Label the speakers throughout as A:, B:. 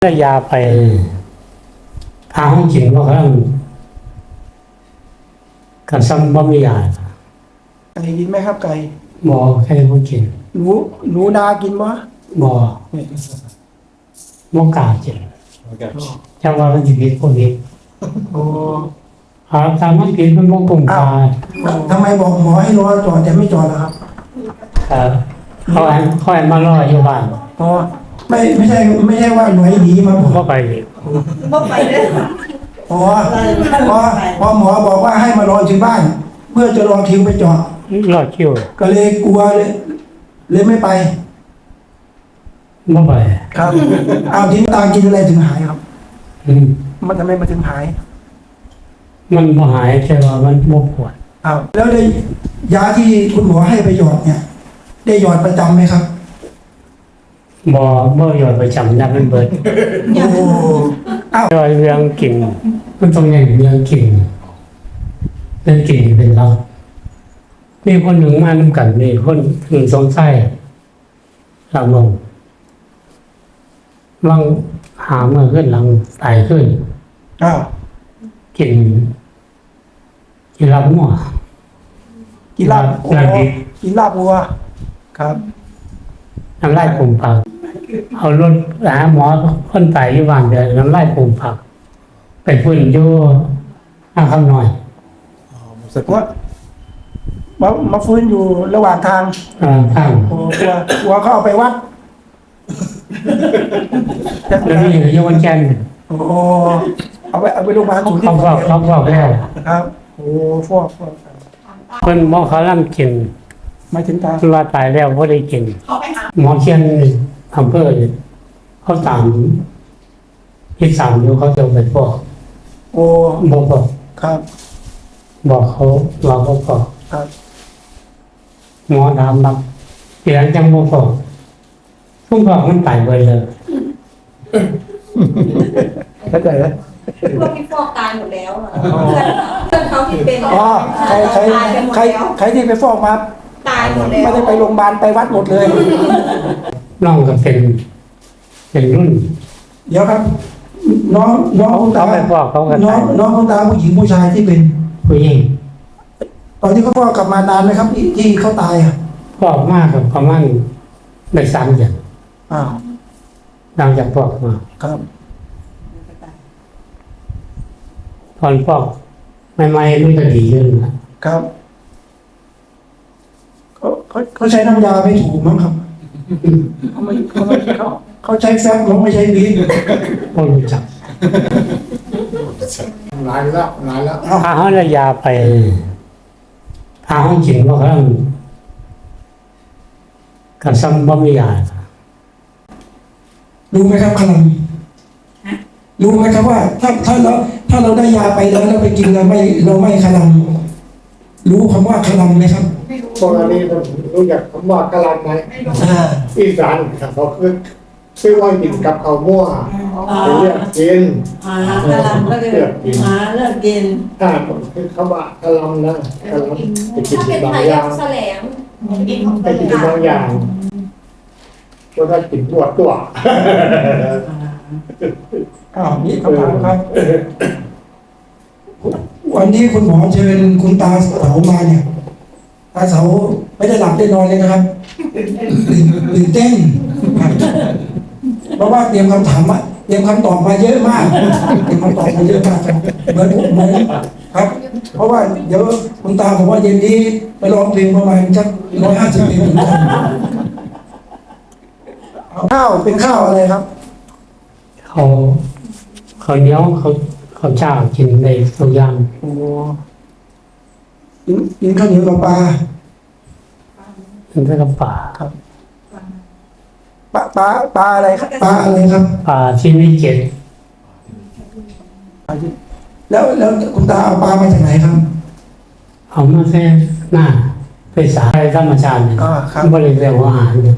A: ได้ยาไปทางห้องกินว่าเขากันซ้ำบ่มียา
B: ไก่กินไหมครับไก่
A: บ่แค่บ่กิน
B: หนูนากินบ่
A: บ่กล้ากินจังว่ามันสิผิดคนนี้
B: โอ้
A: ตามมันผิดมันบ่คุ้มค่า
B: ทำไมบอกหมอให้รอจอดแต่ไม่จอดล่ะครับ
A: เขาให้มารออยู่บ้าน
B: อ๋อไม่ใช่ว่าหน่วยหนีมา
A: บ่ไป
C: บ่ไปเด้อ
B: พอหมอบอกว่าให้มารอที่บ้าน เพื่อจะรอคิวไปจอด
A: รอคิว
B: ก็เลยกลัวเลยไม่ไป
A: บ่ไป
B: ครับเอาทิ้งตากินอะไรถึงหายครับมันทำไมมันถึงหาย
A: มันบ่หายแค่ว่ามันบ่ปวด
B: แล้วได้ยาที่คุณหมอให้ไปหยอดเนี่ยได้หยอดประจำไหมครับ
A: บ่หยอดประจำนับมันเบิด
B: โอ้
A: เรื่องกินมันต้องอย่างเรื่องกินเรื่องกินเป็นเรามีคนหนึ่งมานำกันมีคนถึงสงสัยหลังลงลองหาเมื่อขึ้นหลังตายขึ้นกินลาบหัว
B: กินลาบวัวครับ
A: น้ำลายปุ่มผักเอารถหาหมอคนตายอยู่บ้านเดี๋ยวน้ำลายปุ่มผักไปฟื้นอยู่ข้างหน่อย
B: ว่ามาฟื้นอยู่ระหว่างทางกลัวเขาเอาไปวัด
A: แล้วนี่อยู่วันจันทร์
B: เอาไปโรงพยาบาลศูนย์
A: เขาบอกแล้ว
B: ครับโอ้ฟอก
A: คนหมอเขาล่ำกิน
B: ไม่ถึงตา
A: ว่าตายแล้วเขาได้กินหมอเชียนอำเภอเขาตามที่สามอยู่เขาจะไปฟอกบอก
B: ครับ
A: บอกเขาเราก็ฟอก
B: ครับ
A: หมอถามแบบเสียงจังโมฟอกทุกฟอกมันตายไปเลย
B: เข้าใจไหม
C: พวกที่ฟอกตายหมดแล้วเพื่อนเขาที่เป็น
B: ใครที่ไปฟอกมา
C: ตายหมดแล้ว
B: ไม่ได้ไปโรงพยาบาลไปวัดหมดเลย
A: น้องก็เป็นรุ่น
B: เดี๋ยวครับน้องคุณตาน้องคุณตาผู้หญิงผู้ชายที่เป็น
A: ผู้หญิง
B: ตอนที่เขาฟอกกลับมานานไหมครับที่เขาตาย
A: ฟอกมากครับประมาณได้3 เดือนหลังจากฟอกมา
B: ครับ
A: ตอนฟอกใหม่ๆมันก็ดีขึ้นนะครับ
B: เขาใช้น้ำยาไม่ถูกมั้งครับเขาใช้แฟบเขาไม่ใช้บี
A: พอรู้จัก
B: นานแล้ว
A: ถ้าเขาได้ยาไปทางห้องกินว่าเขากันซ้ำบ่มียา
B: รู้ไหมครับขนมรู้ไหมครับว่าถ้าเราได้ยาไปแล้วเราไปกินเราไม่ขนมรู้คำว่าขนมไหมครับ
D: ตอนนี้ผมรู้จักคำว่ากะลันไหมอีสานเขาคือว่ากินกับข้าวมั่วเลือกกิน
C: กะลันก็เลยเลือกกิน
D: ถ้าคือคำว่ากะลันนะกะลันไปกินบางอย่างไปกินบางอย่างก็ได้กินตัว
B: นี่คำถามครับวันนี้คุณหมอเชิญคุณตาเสามาเนี่ยตาเสาไม่ได้หลับได้นอนเลยนะครับตื่นเต้นเพราะว่าเตรียมคำถามเตรียมคำตอบมาเยอะมากครับเหมือนครับเพราะว่าเดี๋ยวคุณตาผมว่าเย็นนี้ไปร้องเพลงประมาณสัก150 เพลงถึงข้าวเป็นข้าวอะไรครับ
A: เขาเหนียวเขาเจ้ากินในทุกอย่าง
B: กินข้าวเหนียวกับปลา
A: กินกับปลา
B: ครับปลาอะไรครับปลาอะไรครับ
A: ปลาที่มีเกล็ด
B: แล้วคุณตาเอาปลามาจากไหนครับ
A: เอามาแค่หน้าไปสายธรรมชาติเนี่ยบริเวณอาหารเนี่ย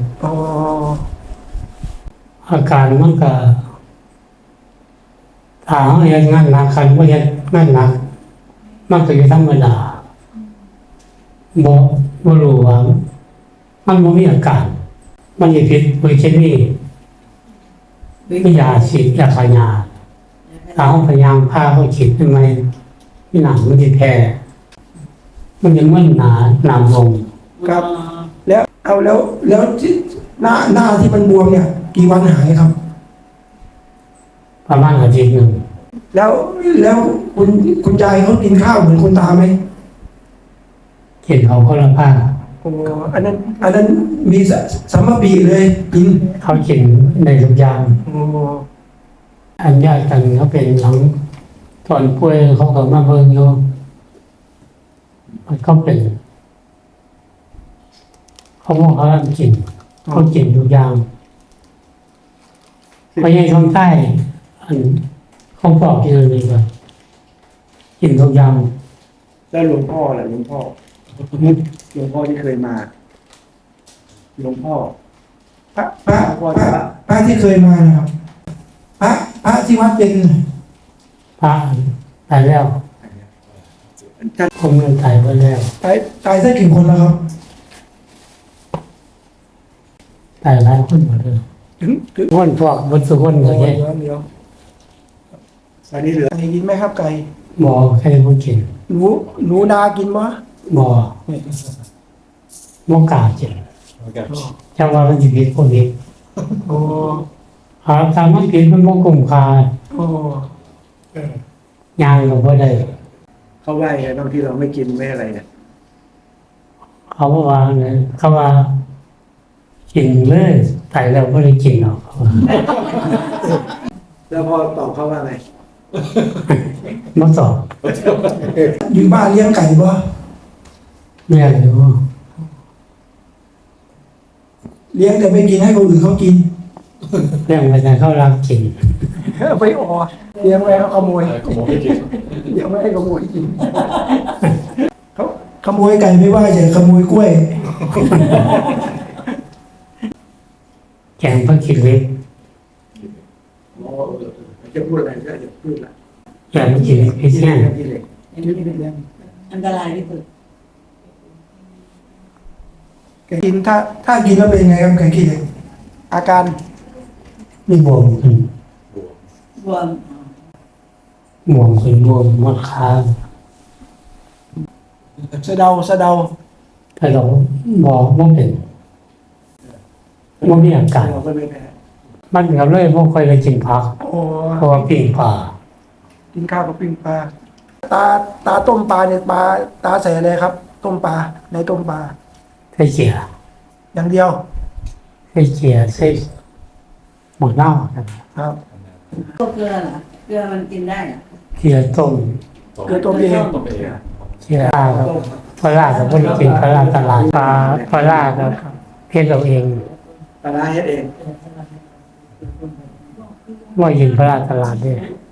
A: อาการมันก็ถ้าเขาเห็นงานหนักคันว่าเห็นงานหนักมันก็อยู่ธรรมดาบ่รู้ว่ามันบ่มีอาการมันจะผิดโดยเคมีไม่ยาฉีดยาพายาถ้าห้องพยายามพาเขาฉีดทำไมที่หนังมันจะแพ้มันยังมึนหนาลง
B: ครับ แล้วเอาแล้วที่หน้าที่มันบวมเนี่ย กี่วันหายครับ
A: ประมาณอาทิตย์หนึ่ง
B: แล้วคุณยายเขากินข้าวเหมือนคุณตาไหม
A: กินเขาก็ละผ้า
B: โอ้อันนั้นมีสัมมาปีเลยกิน
A: เขากินในทุกอย่าง
B: โอ้
A: อันญาติกันเขาเป็นหลังตอนป่วยเขาก็มาเบิ่งอยู่มันก็เป็นเขาบอกเขาทำกินเขากินทุกอย่างเพราะยังท้องใต้อันเขาบอกกินอะไรก็กินทุกอย่าง
E: แล้วหลวงพ่อล่ะหลวงพ่อที่เคยมาหลวงพ่อ
B: พระที่เคยมานะครับพระที่วัดเป็น
A: พระตายแล้วผมเงินตายไปแล้ว
B: ตายสักกี่คนแล้วครับ
A: ตายหลายคนหมดเลย
B: ถึง
A: คนพวกบนสุคนก็แค่
B: เดี๋ยว
E: อันนี้เหลือ
B: ไก่กินไหมครับไก่
A: บ่ใครบ่กิน
B: หนูนากินมั้ย
A: บ่บ่กล้ากินจังว่ามันสิผิดคนผิด
B: โอ้
A: หาทางมันผิดมันบ่คุ้มค่า
B: โอ้
A: ย่างก็บ่ได้
E: เขาไหว้ไงบางที่เราไม่กินไม่อะไรเนี่ย
A: เขาบอกว่าไงเขาว่ากินเลยตายแล้วบ่ได้กินหรอกเขาว่า
E: แล้วพอตอบเขาว่าไง
A: บ่ตอบ
B: อยู่บ้านเลี้ยงไก่บ่
A: เรียกอยู่
B: เลี้ยงแต่ไม่กินให้คนอื่นเขากิน
A: เรื่องไปแต่เขารักกิน
B: เอาไปเลี้ยงไว้เขาขโมยเลี้ยงไว้ให้ขโมยกินเขาขโมยไก่ไม่ว่าแต่ขโมยกล้วย
A: แกงเพิ่งคิดเล็ก
E: อ๋อจะพูดอะไรก็จะพูดละ
A: แกงเพิ่งคิดเล็กพี่แช่
E: ที่เหล็ก
C: อันตรายที่สุด
B: ไก่กินถ้ากินแล้วเป็นไงครับไก่กินเนี่ยอาการ
A: นี่บวมขึ้น
C: บวม
A: บวมขึ้นบวมหมดขา
B: สะเดา
A: แต่เราบอกว่าเป็นว่ามีอาการ
E: เราก็ไม่แพ้
A: มันก็เลยบ่ค่อยได้กินผัก
B: โอ้
A: เพราะว่าปิ้งปลา
B: กินข้าวกับปิ้งปลาตาต้มปลาเนี่ยตาใส่อะไรครับ ต้มปลาในต้มปลา
A: ใส่เกีย
B: อย่างเดียว
A: ใส่เกียใส่หมดเน่าครับ
B: ครับ
C: ตัวเกลือเหรอเกลือมันกินได้เหรอ
A: เกียต้ม
B: เกลือต้มเอง
A: เกียปลาครับปลากับบ่ได้กินปลาตลาดปลาครับเฮ็ดเราเอง
E: ปลาร้าเฮ็ดเอง
A: ว่ายินปลาตลาดเด้
E: อ